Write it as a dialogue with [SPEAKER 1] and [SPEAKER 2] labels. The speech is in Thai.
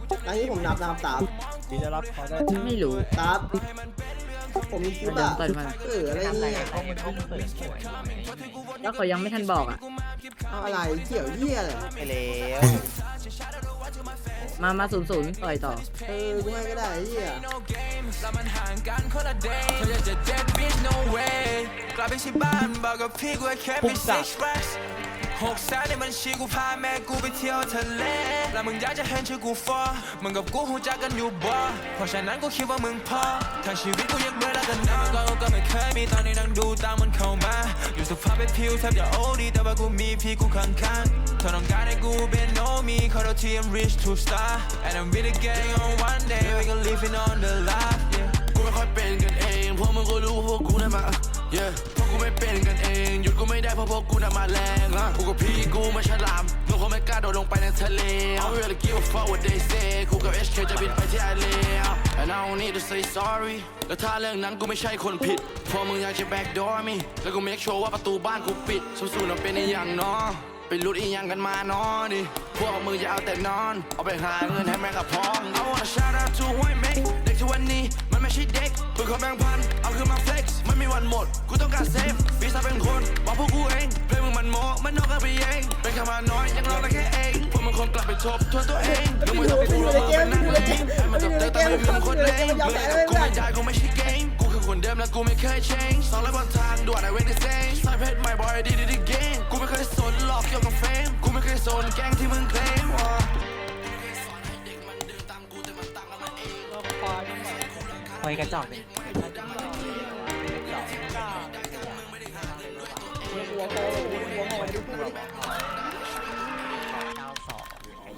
[SPEAKER 1] อันนี้ผมนับตาม
[SPEAKER 2] ดีจะรับเขาได้
[SPEAKER 3] ไม่รู้
[SPEAKER 1] ตามผมมีคลิปอะ
[SPEAKER 3] เปิดมา
[SPEAKER 1] อะไรเนี่ย
[SPEAKER 3] แล้วเขายังไม่ทันบอกอ่ะ
[SPEAKER 1] เอาอะไรเกี่ยวเหี้ยเลย
[SPEAKER 2] ไปแล้ว
[SPEAKER 3] มา00ต่อยต่อ
[SPEAKER 1] กูให้ก็ได้เหี้ย
[SPEAKER 2] พุ่งสัก
[SPEAKER 4] 600,000ในบัญชีกูพาแม่กูไปเที่ยวทะเลแล้วมึงอยากจะเห็นชื่อกูฟอมึงกับกูหูจักกันอยู่บ่เพราะฉะนั้นกูคิดว่ามึงพอทั้งชีวิตกูยังเบื่อแล้วกันนะก็ไม่เคยมีตอนนี้นั่งดูตามมันเข้ามาอยู่สภาพเป็นผิวแทบจะโอ้ดีแต่ว่ากูมีพี่กูข้างๆเธอต้องการให้กูเป็นโนมีขอโทษที่ I'm rich to star and I'm with the gang on one day we gon' living on the life yeah
[SPEAKER 5] กูไม่ค่อยเป็นกันเองพวกมึงก็รู้ว่าพวกกูน่ะมาพวกกูไม่เป็นกันเองหยุดกูไม่ได้เพราะพวกกูน่ะมาแรงกูกับพี่กูมาฉลามมึงคงไม่กล้าโดดลงไปในทะเล I don't really give a fuck what they say กูกับ HK จะบินไปที่LA and I don't need to say sorry แล้วถ้าเรื่องนั้นกูไม่ใช่คนผิดพอมึงอยากจะ backdoor me แล้วกู make sure ว่าประตูบ้านกูปิดสู้ๆนะเป็นอีหยังเนาะไปลุดอีหยังกันมาเนาะดิพวกมึงอย่าเอาแต่นอนเอาไปหาเงินให้แม่กับพ่อ I wanna shout out to ห้วยเมกเด็กทุกวันนี้มันไม่ใช่เด็กปืนขอแบ่งพันเอาคืนมา flex ไม่มีวันหมดกูต้องการเซฟปีศาจเป็นคนบอกพวกกูเองเพลงมึงมันโมมันนอกกันไปเองเป็นคำมาน้อยยังรอได้แค่เองพวกมึงคนกลับไปทบทวนตัวเองมึงไม่ทำให้กูรู้ว่าเป็นนั่งเลยให้มันจบเจอแต่ไม่มีมึงคนเล่นมึงกับกูไม่ได้กูไม่ใช่เกมกูคือคนเดิมและกูไม่เคย change สองร้อยบนทางด่วน I wait the same สายเพชร my boy I did it again กูไม่เคยสนหลอกเกี่ยวกับเฟมกูไม่เคยสนแก๊งที่มึงเคลม
[SPEAKER 2] คอยกระจอกเลย